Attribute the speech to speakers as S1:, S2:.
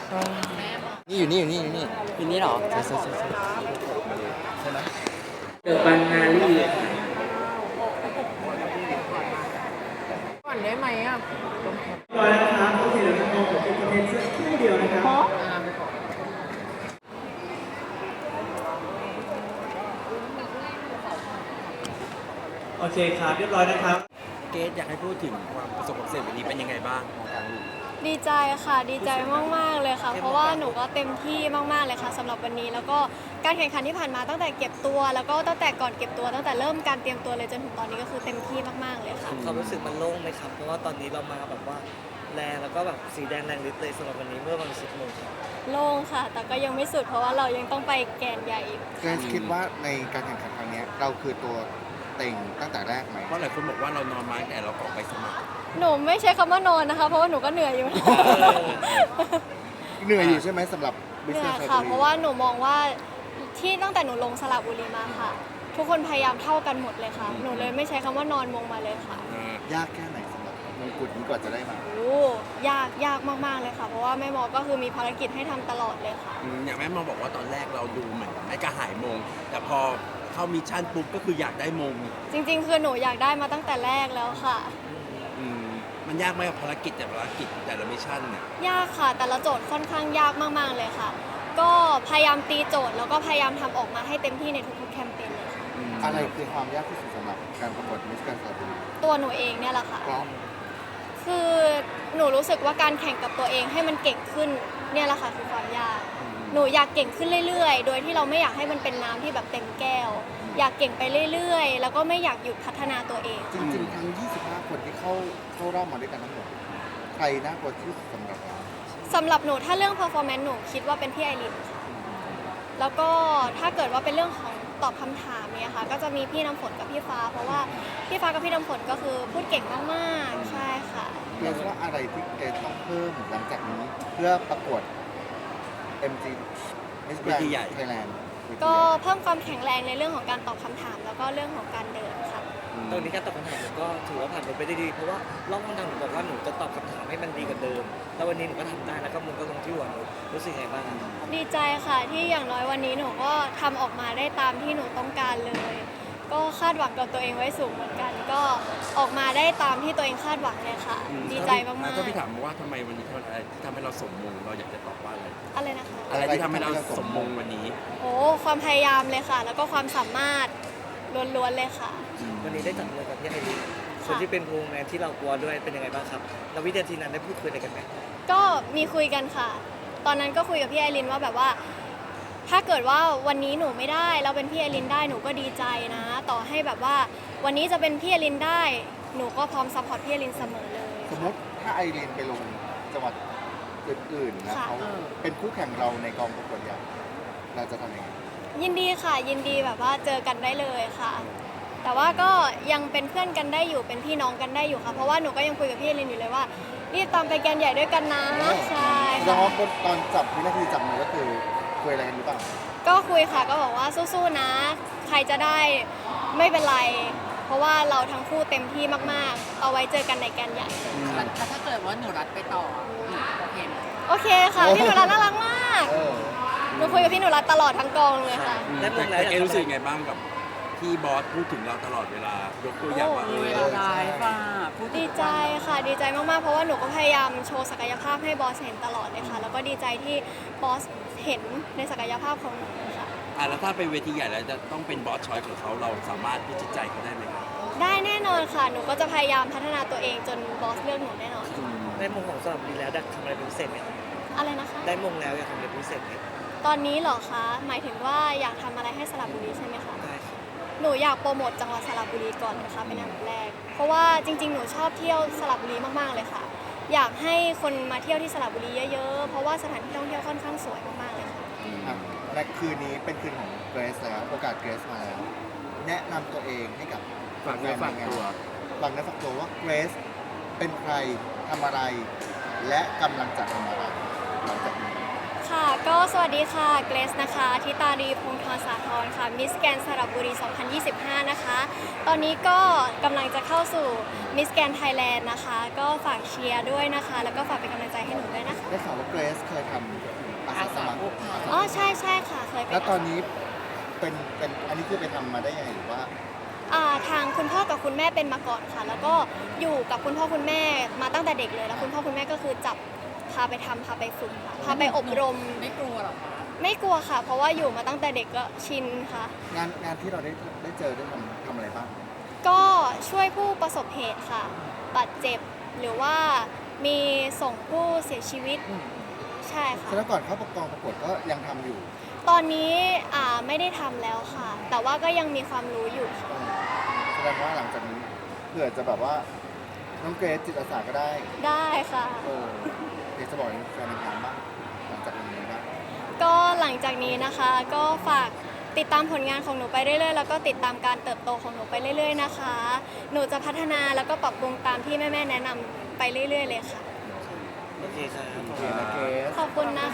S1: นี่อยู่นี่อยู่นี่อยู่นี่
S2: อยู่นี่เหรอ
S1: ใช่ใช่ใช่ใช่ใช่ไหม
S2: เดอะบางนารี
S3: ก่อนได้ไหมอ่ะ
S2: ร้อยนะครับโอเคเดี๋ยวเราเป็นคอนเทนต์สักครู่เดียวนะครับโอเคครับเรียบร้อยนะครับ
S1: เกรซอยากให้พูดถึงความประสบความสำเร็จวันนี้เป็นยังไงบ้างของการลูก
S4: ดีใจค่ะดีใจมากๆเลยค่ะเพราะว่าหนูก็เต็มที่มากๆเลยค่ะสำหรับวันนี้แล้วก็การแข่งขันที่ผ่านมาตั้งแต่เก็บตัวแล้วก็ตั้งแต่ก่อนเก็บตัวตั้งแต่เริ่มการเตรียมตัวเลยจนถึงตอนนี้ก็คือเต็มที่มากๆเลยค่ะ
S5: ความรู้สึกมันโล่งไหมครับ เพราะว่าตอนนี้เรามาแบบว่าแรงแล้วก็แบบสีแดงแรงฤทธิ์เลยสำหรับวันนี้เมื่อวัน10 โมงครับ
S4: โล่งค่ะ แต่ก็ยังไม่สุดเพราะว่าเรายังต้องไปแกนใหญ่อีก
S6: เกรซคิดว่าในการแข่งขันครั้งนี้เราคือตัวเต็งตั้งแต่แรกไหม
S1: เพราะหลายคนบอกว่าเรานอนมาตั้งแต่เรากรอกใบสมัคร
S4: หนูไม่ใช้คำว่านอนนะคะเพราะว่าหนูก็เหนื่อยอยู่
S6: เหนื่อยอยู่ใช่ไหมสำหรับ
S4: เหนื่อย
S6: Business
S4: ค่ะ
S6: Library
S4: เพราะว่าหนูมองว่าที่ตั้งแต่หนูลงสระบุรีมาค่ะ ทุกคนพยายามเท่ากันหมดเลยค่ะ หนูเลยไม่ใช้คำว่านอนมงมาเลยค่ะ
S6: ยากแค่ไหนสำหรับมงกุฎนี้กว่าจะได้มา
S4: โอ้ยากมากๆเลยค่ะ เพราะว่าแม่หมอก็คือมีภารกิจให้ทำตลอดเลยค่ะ
S1: อย่างแม่มาบอกว่าตอนแรกเราดูเหมือนไม่กระหายมง แต่พอเข้ามิชชั่นปุ๊บก็คืออยากได้มง
S4: จริงๆ คือหนูอยากได้มาตั้งแต่แรกแล้วค่ะ
S1: อืมมันยากไหมกับภารกิจแต่ภารกิจแต่ละมิชชั่นเนี่ย
S4: ยากค่ะ แต่ละโจทย์ค่อนข้างยากมากๆเลยค่ะ ก็พยายามตีโจทย์แล้วก็พยายามทำออกมาให้เต็มที่ในทุกๆแคมเปญเลยค่ะ
S6: อะไรคือความยากที่สุดสำหรับการประกวด Miss Grand Slam
S4: ตัวหนูเองเนี่ยแหละค่ะ
S6: เพราะ
S4: คือหนูรู้สึกว่าการแข่งกับตัวเองให้มันเก่งขึ้นเนี่ยแหละค่ะคือความยาก หนูอยากเก่งขึ้นเรื่อยๆ โดยที่เราไม่อยากให้มันเป็นน้ำที่แบบเต็มแก้ว อยากเก่งไปเรื่อยๆ แล้วก็ไม่อยากหยุดพัฒนาตัวเอง
S6: จริงๆ ทั้ง 25 คนที่เข้ารอบมาด้วยกันทั้งหมด ใครน่ากลัวที่สุดสำหรับเรา
S4: สำหรับหนูถ้าเรื่อง performance หนูคิดว่าเป็นพี่ไอรินค่ะ แล้วก็ถ้าเกิดว่าเป็นเรื่องของตอบคำถามเนี่ยค่ะ ก็จะมีพี่น้ำฝนกับพี่ฟ้า เพราะว่าพี่ฟ้ากับพี่น้ำฝนก็คือพูดเก่งมากๆ ใช่ค่ะ
S6: เกรซว่าอะไรที่เกรซต้องเพิ่มหลังจากนี้เพื่อประกวด MG Miss
S1: เวทีใหญ่
S6: Grand Thailand
S4: ก็เพิ่มความแข็งแรงในเรื่องของการตอบคำถาม แล้วก็เรื่องของการเดินค่ะ
S5: ตอนนี้การตอบคำถามหนูก็ถือว่าผ่านไปได้ดี เพราะว่ารอบคำถามหนูบอกว่าหนูจะตอบคำถามให้มันดีกว่าเดิม แล้ววันนี้หนูก็ทำได้แล้วก็มุงก็ลงที่หัวหนูรู้สึกไงบ้าง
S4: ดีใจค่ะที่อย่างน้อยวันนี้หนูก็ทำออกมาได้ตามที่หนูต้องการเลย ก็คาดหวังกับตัวเองไว้สูงเหมือนกัน ก็ออกมาได้ตามที่ตัวเองคาดหวังเลยค่ะ ดีใจมาก
S1: ถ้าพี่ถามว่าทำไมวันนี้อะไรที่ทำให้เราสมมงเราอยากจะตอบว่าอะไร
S4: ๆอะไรนะคะ
S1: อะไรที่ทำให้เราสมมงวันนี้
S4: โอ้ความพยายามเลยค่ะ แล้วก็ความสามารถล้วนๆเลยค่ะ
S5: วันนี้ได้จับมือกับพี่ไอรินคนที่เป็นวงแมนที่เรากลัวด้วยเป็นยังไงบ้างครับแล้ววินาทีนั้นได้พูดคุยอะไรกันไหม
S4: ก็มีคุยกันค่ะ ตอนนั้นก็คุยกับพี่ไอรินว่าแบบว่า ถ้าเกิดว่าวันนี้หนูไม่ได้แล้วเป็นพี่ไอรินได้หนูก็ดีใจนะ ต่อให้แบบว่า วันนี้จะเป็นพี่ไอรินได้ หนูก็พร้อมซัพพอร์ตพี่ไอรินเสมอเลย
S6: สมมติถ้าไอรีนไปลงจังหวัดอื่นๆนะ
S4: ค่ะ
S6: เขาเป็นคู่แข่งเราในกองประกวดใหญ่เราจะทำยังไง
S4: ยินดีค่ะ ยินดีแบบว่าเจอกันได้เลยค่ะ แต่ว่าก็ยังเป็นเพื่อนกันได้อยู่เป็นพี่น้องกันได้อยู่ค่ะ เพราะว่าหนูก็ยังคุยกับพี่ไอรินอยู่เลยว่ารีบตามไปแกนใหญ่ด้วยกันนะใช่
S6: แสดง
S4: ค่ะ
S6: ว่าตอนจับวินาทีจับมือก็คือคุยอะไรกันหรือเปล่า
S4: ก็คุยค่ะก็บอกว่าสู้ๆนะ ใครจะได้ไม่เป็นไร เพราะว่าเราทั้งคู่เต็มที่มากๆ เอาไว้เจอกันในแกนใหญ่
S3: แล้วถ้าเกิดว่าหนูรัดไปต่อหนูโอเคไหม
S4: โอเคค่ะ พี่หนูรัตน่ารักมาก
S6: เออ
S4: หนูคุยกับพี่หนูรัตตลอดทั้งกองเลยค่ะ
S5: ได้มงแล้ว
S1: แต่เกรซรู้สึกไงบ้างกับที่บอสพูดถึงเราตลอดเวลายกตัวอย่างว่า
S3: ได้ป่ะพูดถึง
S4: ดีใจค่ะ ดีใจมากๆ เพราะว่าหนูก็พยายามโชว์ศักยภาพให้บอสเห็นตลอดเลยค่ะ แล้วก็ดีใจที่บอสเห็นในศักยภาพของหนูค่ะ
S1: แล้วถ้าเป็นเวทีใหญ่แล้วจะต้องเป็นบอสชอยของเขาเราสามารถพิจิตใจเขาได้ไหมครับ
S4: ได้แน่นอนค่ะ หนูก็จะพยายามพัฒนาตัวเองจนบอสเลือกหนูแน่นอน
S5: ได้มงของสระบุรีแล้วอยากทำอะไรเป็นพิเศษไหม
S4: อะไรนะคะ
S5: ได้มงแล้วอยากทำอะไรเป็นพิเศษไหม
S4: ตอนนี้เหรอคะ หมายถึงว่าอยากทำอะไรให้สระบุรีใช่ไหมคะ
S5: ได้ครับ
S4: หนูอยากโปรโมทจังหวัดสระบุรีก่อนเลยค่ะเป็นอันดับแรก เพราะว่าจริงๆ หนูชอบเที่ยวสระบุรีมากๆเลยค่ะ อยากให้คนมาเที่ยวที่สระบุรีเยอะๆ เพราะว่าสถานที่ท่องเที่ยวค่อนข้างสวยมากๆเลยค่ะ
S6: ครับและคืนนี้เป็นคืนของเกรซแล้วโอกาสเกรซมาแล้ว แนะนำตัวเองให้กับ
S1: ฝากเนื้อฝากตัว
S6: ฝากเนื้อฝากตัวว่าเกรซเป็นใครทำอะไร และกำลังจะทำอะไรหลังจากนี้
S4: ค่ะ ก็สวัสดีค่ะเกรซนะคะทิตารีพงศ์ธรสาธรค่ะมิสแกนสระบุรี 2025 นะคะ ตอนนี้ก็กำลังจะเข้าสู่มิสแกนไทยแลนด์นะคะ ก็ฝากเชียร์ด้วยนะคะ แล้วก็ฝากเป็นกำลังใจให้หนูด้วยนะคะ
S6: ได้ข่าวว่าเกรซเคยทำอาสาสมัคร
S4: อ๋อใช่ใช่ค่ะเคยไป
S6: แล้วตอนนี้เป็นอันนี้คือไปทำมาได้ยังไงหรือว่า
S4: ทางคุณพ่อกับคุณแม่เป็นมาก่อนค่ะ แล้วก็อยู่กับคุณพ่อคุณแม่มาตั้งแต่เด็กเลย แล้วคุณพ่อคุณแม่ก็คือจับพาไปทำพาไปฝึกค่ะพาไปอบรม
S3: ไม่กลัวหรอคะ
S4: ไม่กลัวค่ะ เพราะว่าอยู่มาตั้งแต่เด็กก็ชินค่ะ
S6: งานที่เราได้เจอได้ทำอะไรบ้าง
S4: ก็ช่วยผู้ประสบเหตุค่ะ บาดเจ็บหรือว่ามีส่งผู้เสียชีวิต ใช่ค่ะ
S6: ฉะนั้นก่อนเข้าประกองประกวดก็ยังทำอยู่
S4: ตอนนี้ไม่ได้ทำแล้วค่ะ แต่ว่าก็ยังมีความรู้อยู่ค่ะ
S6: แสดงว่าหลังจากนี้เผื่อจะแบบว่าน้องเกรซจิตอาสาก็ได้
S4: ได้ค่ะ
S6: เดี๋ยวจะบอกแฟนงานบ้างหลังจากนี้บ้าง
S4: ก็หลังจากนี้นะคะ ก็ฝากติดตามผลงานของหนูไปเรื่อยๆ แล้วก็ติดตามการเติบโตของหนูไปเรื่อยๆ นะคะ หนูจะพัฒนาแล้วก็ปรับปรุงตามที่แม่ๆแนะนำไปเรื่อยๆ เลยค่ะ
S5: โอเคครับ
S6: โอเคนะเกรซ
S4: ขอบคุณนะ